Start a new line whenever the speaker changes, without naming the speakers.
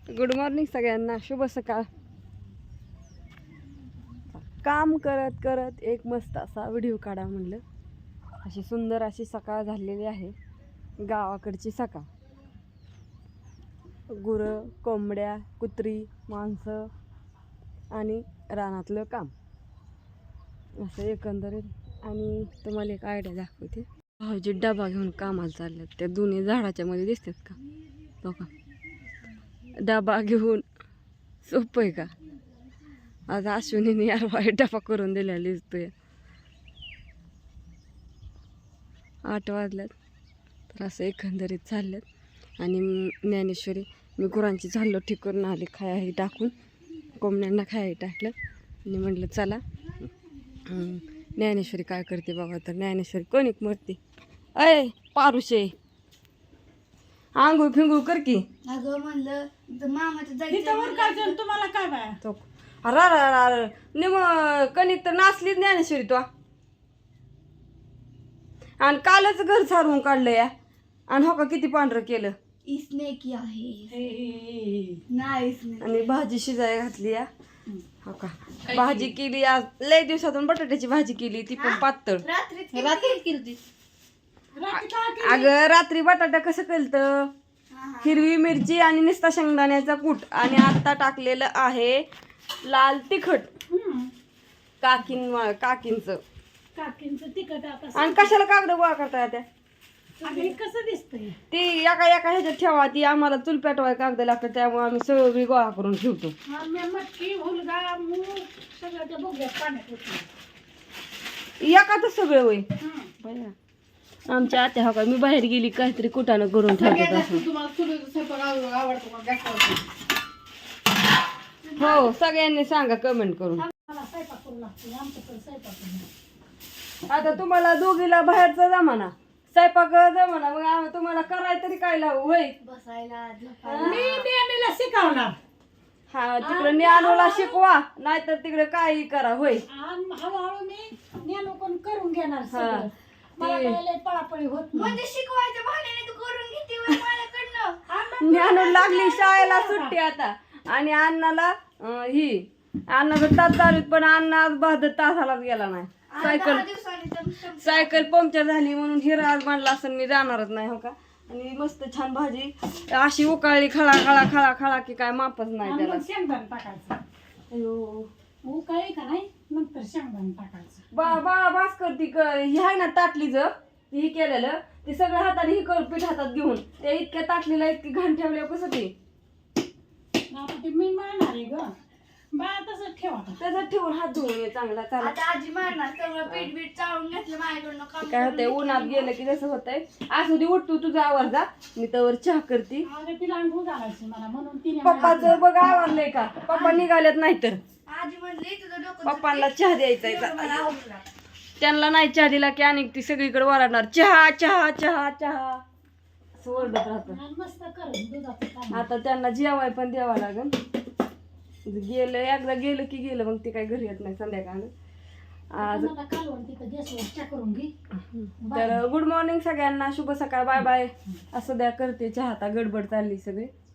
Good morning सगळ्यांना, शुभ सकाळ. काम करत करत एक मस्त असा व्हिडिओ काढा म्हणलं. अशी सुंदर अशी सकाळ झालेली आहे, गावाकडची सकाळ. गुरं, कोंबड्या, कुत्री, माणसं आणि रानातलं काम असं एकंदरीत. आणि तुम्हाला एक आयडिया दाखवते. भाऊजी डबा घेऊन कामाला चालल्यात. त्या दोन्ही झाडाच्या मध्ये दिसतात का बघा, डबा घेऊन. सोपं आहे का? आज अश्विनीने यार वाईट डबा करून दिलेला दिसतोय. 8 वाजल्यात तर असं एकंदरीत चालल्यात. आणि ज्ञानेश्वरी, मी गुरांची झाडलं ठीक करून आली, खायाही टाकून कोंबड्यांना खायाही टाकलं. आणि म्हटलं चला ज्ञानेश्वरी काय करते बघा. तर ज्ञानेश्वरी कणिक मरते. अय पारुशे, आंघोळ फिंगूळ कर की.
अगं म्हणलं मामाचं
तुम्हाला काय बाय तो निम कणिक तर नाचलीच ज्ञानेश्वरी तो. आणि कालच घर सारून काढलं या. आणि हो का किती पांढरं केलं.
इसने किया है नाही इसने.
आणि भाजी शिजायला घातली या. हो का भाजी केली आज. लय दिवसातून बटाट्याची भाजी केली, ती पण पातळ.
रात्री केली.
अगं रात्री बटाटा कसं केलतं, हिरवी मिरची आणि निस्ता शेंगदाण्याचा कूट. आणि आता टाकलेलं आहे लाल तिखट. काकींचं
तिखट.
आणि कशाला कागद गोळा करता त्या?
कसं दिसतंय
ती एका ह्याच्यात ठेवा. ती आम्हाला चूल पेटवाय कागद लागतं, त्यामुळे आम्ही सगळी गोळा करून ठेवतो. एकाच सगळं होय. आमच्या आत्या हो का, मी बाहेर गेली काहीतरी कुटानं करून ठेवतात. हो सगळ्यांनी सांगा कमेंट करून. आता तुम्हाला दोघीला बाहेरचा जमाना, स्वयंपाक जमाना, मग तुम्हाला करायला तरी काय लावू होय.
बसायला
शिकवणार.
हा तिकडे ज्ञानूला शिकवा, नाहीतर तिकडे काही करा होय.
हळूहळू मी ज्ञानोपण करून घेणार.
हा
पळापळी होत
म्हणजे शिकवायच्या भाण्याने तू करून घेते माझ्याकडनं.
ज्ञानू लागली शाळेला सुट्टी आता. आणि अण्णाला अण्णाचं तास चालू, पण अण्णा आज 72 तासालाच गेला नाही. सायकल पंक्चर झाली म्हणून हिरा आज म्हणला असं मी जाणारच नाही. हो का. आणि मस्त छान भाजी अशी उकाळली, खळा खळा खळा खळा की काय मापच नाही त्याला.
शेंगदाणे टाकायचं.
अयो
उकाळी का नाही, नंतर शेंगदाणे टाकायचं.
बाळा भास्कर ती ही आहे ना ताटलीच हे केलेलं, ते सगळं हाताने ही कर पीठ हातात घेऊन ते इतक्या ताटलीला इतकी घाण ठेवल्यावर कसं ते
ते मी मारणार आहे ग बाळा, तसंच ठेवा.
त्याच्यात ठेवून हात धुवून ये चांगला. चालेल.
आता आजी मारणार सगळं पीठ बीठ चाळून घेतलं माझ्याकडनं. काम
काय होतंय उन्हात गेलं की जसं होतंय. आज उद्या उठ, तू तुझा आवाज जा, मी तर चहा करते.
तिला अंघोळ घालायची मला, म्हणून तिने
पप्पाचं बघ आवरलंय का, पप्पा निघालेत नाही तर
आजी म्हणली तुझं डोकं
पप्पांना चहा द्यायचा.
मला आवडला.
त्यांना नाही चहा दिला की आणि ती सगळीकडे ओरडणार, चहा चहा चहा चहा असं ओरडत राहत.
मस्त करून दुधाचं काम.
आता त्यांना जेवाय पण द्यावं लागेल. गेलं एकदा गेलं की गेलं, मग ते काही घरी येत नाही संध्याकाळ. आज
कालवण तिथं गॅसवर चहा करून घे.
तर गुड मॉर्निंग सगळ्यांना, शुभ सकाळ, बाय बाय. असं द्या करते चहा, आता गडबड चालली सगळी.